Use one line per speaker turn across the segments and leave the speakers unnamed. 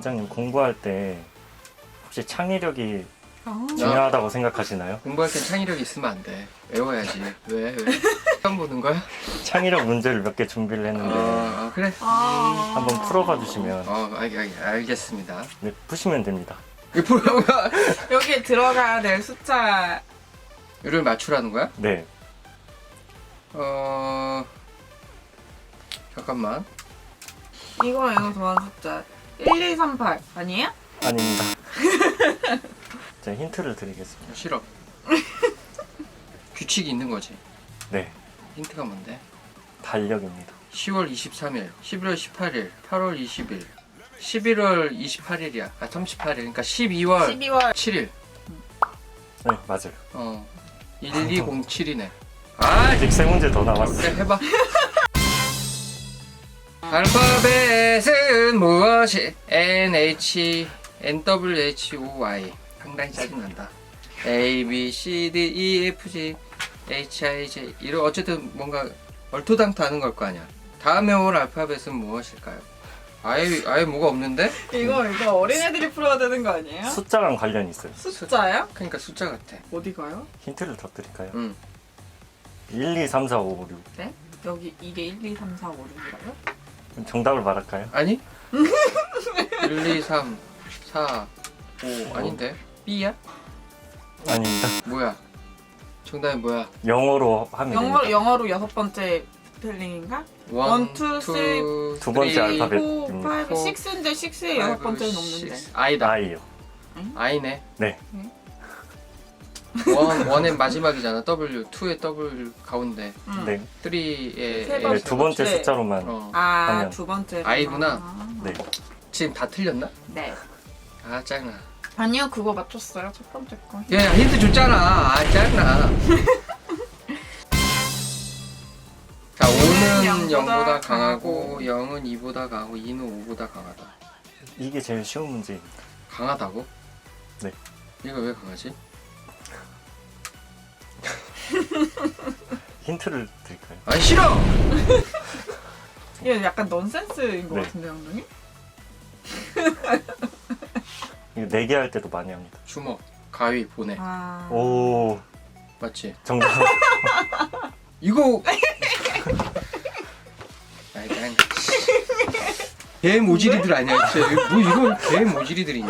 원장님 공부할 때 혹시 창의력이
아.
중요하다고 생각하시나요?
공부할 땐 창의력이 있으면 안 돼. 외워야지. 왜? 처음 보는 거야?
창의력 문제를 몇 개 준비를 했는데
그래.
한번 풀어봐 주시면.
알겠습니다.
네, 푸시면 됩니다.
이 프로가
여기에 들어가야 될 숫자.
를 맞추라는 거야?
네.
잠깐만.
이거 좋아하는 숫자 1, 2, 3, 8 아니에요?
아닙니다. 제가 힌트를 드리겠습니다.
싫어. 규칙이 있는 거지.
네,
힌트가 뭔데?
달력입니다.
10월 23일, 11월 18일, 8월 20일, 11월 28일이야. 38일. 그러니까 12월
12월
7일.
네, 맞아요.
1207이네.
아직 세 문제 더
그래,
남았어요.
해봐. 알파벳은 무엇이? NH, NWHOY. 상당히 짜증난다. A, B, C, D, E, F, G, H, I, J. 이런 어쨌든 뭔가 얼토당토하는 걸 거 아니야. 다음에 올 알파벳은 무엇일까요? 아예 뭐가 없는데?
이거 어린애들이 풀어야 되는 거 아니에요?
숫자랑 관련이 있어요.
숫자요?
그러니까 숫자 같아.
어디 가요?
힌트를 더 드릴까요?
응.
1, 2, 3, 4, 5, 6.
네? 여기 이게 1, 2, 3, 4, 5, 6이라요?
정답을 말할까요?
아니? 1, 2, 3, 4, 5 아닌데? B야?
아닙니다.
뭐야? 정답이 뭐야?
영어로 하면 됩니다.
영어로 여섯 번째 스펠링인가? 1, 2, 3,
두 번째
three,
알파벳.
4, 5, 6인데 6에 여섯 번째는 없는데.
I다.
I요.
I네.
네.
원의 마지막이잖아. W. 2의 W 가운데.
네.
3의
세
네, 두 번째
네.
숫자로만.
아,
하면.
두 번째.
I구나.
네.
지금 다 틀렸나?
네.
아 짱나.
아니요, 그거 맞췄어요. 첫 번째 거.
야 힌트 줬잖아. 아 짱나. 자 5는 0보다 강하고 0은 2보다 강하고 2는 5보다 강하다.
이게 제일 쉬운 문제입니다.
강하다고?
네.
얘가 왜 강하지?
힌트를 드릴까요?
아 싫어!
이거 약간 넌센스인 것
네.
같은데, 감독님?
이거 내기할 때도 많이 합니다.
주먹, 가위, 보내.
아.
오,
맞지?
정답.
이거 아이 짱. 개 모지리들 아니야 진짜. 뭐 이걸 개 모지리들이냐.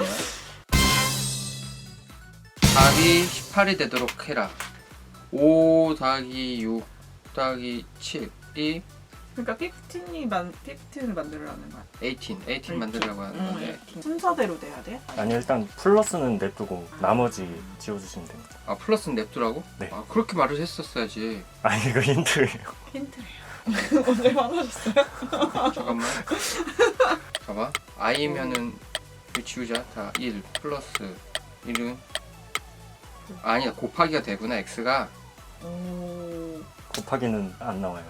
답이 18이 되도록 해라. 5 더하기 6 더하기 7이
그러니까 15을 만들라는 거야.
18 만들려고 하는 건데.
18. 순서대로 돼야 돼?
아니, 일단 플러스는 냅두고 나머지 지워주시면 됩니다.
아 플러스는 냅두라고?
네.
아 그렇게 말을 했었어야지.
아니, 이거 힌트예요.
힌트래요. 언제 화나셨어요?
잠깐만. 봐봐. i면은 이거 지우자. 다 1 플러스 1은 아니다 곱하기가 되구나 x가.
오.
곱하기는 안 나와요.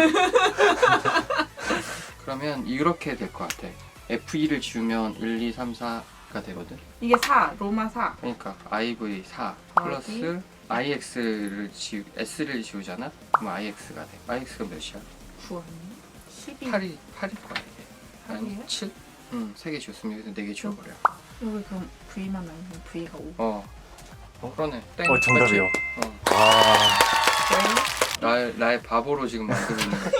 그러면 이렇게 될 것 같아. F2를 지우면 1, 2, 3, 4가 되거든.
이게 4, 로마 4.
그러니까 IV 4
더하기
플러스 S를 지우잖아? 그럼 IX가 돼. IX가 몇이야?
9 아니에요? 12.
8일 거야 이게. 아니
8이에요?
7? 응, 3개 지웠으면 여기서 4개 지워버려.
여기 그럼 V만 아니면 V가 5.
그러네. 땡.
정답이요.
맞지?
아,
나의 바보로 지금 만들고 있는 거야.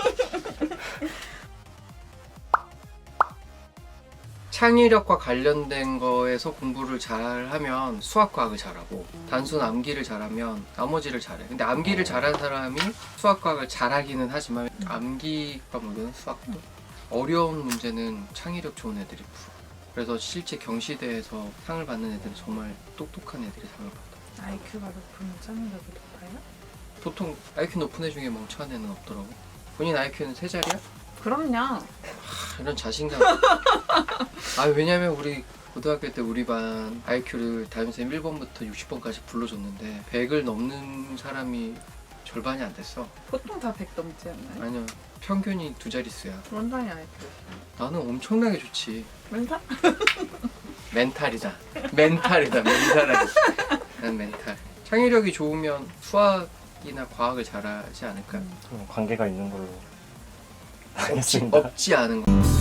창의력과 관련된 거에서 공부를 잘하면 수학과학을 잘하고 단순 암기를 잘하면 나머지를 잘해. 근데 암기를 잘하는 사람이 수학과학을 잘하기는 하지만 암기가 물론 수학도 어려운 문제는 창의력 좋은 애들이 풀어. 그래서 실제 경시대에서 상을 받는 애들은 정말 똑똑한 애들이 상을 받아.
IQ가 높으면 창의력이 높아요?
보통 IQ 높은 애 중에 멍청한 애는 없더라고. 본인 IQ는 3자리야?
그럼요.
이런 자신감. 왜냐면 우리 고등학교 때 우리 반 IQ를 담임쌤 1번부터 60번까지 불러줬는데 100을 넘는 사람이 절반이 안 됐어.
보통 다 100 넘지 않나요?
아니요, 평균이 2자릿수야.
원장이 IQ.
나는 엄청나게 좋지.
멘탈?
멘탈이다. 멘탈이다. 멘탈이다. 난 멘탈. 창의력이 좋으면 수학이나 과학을 잘하지 않을까?
관계가 있는 걸로 알겠습니다.
없지 않은 거.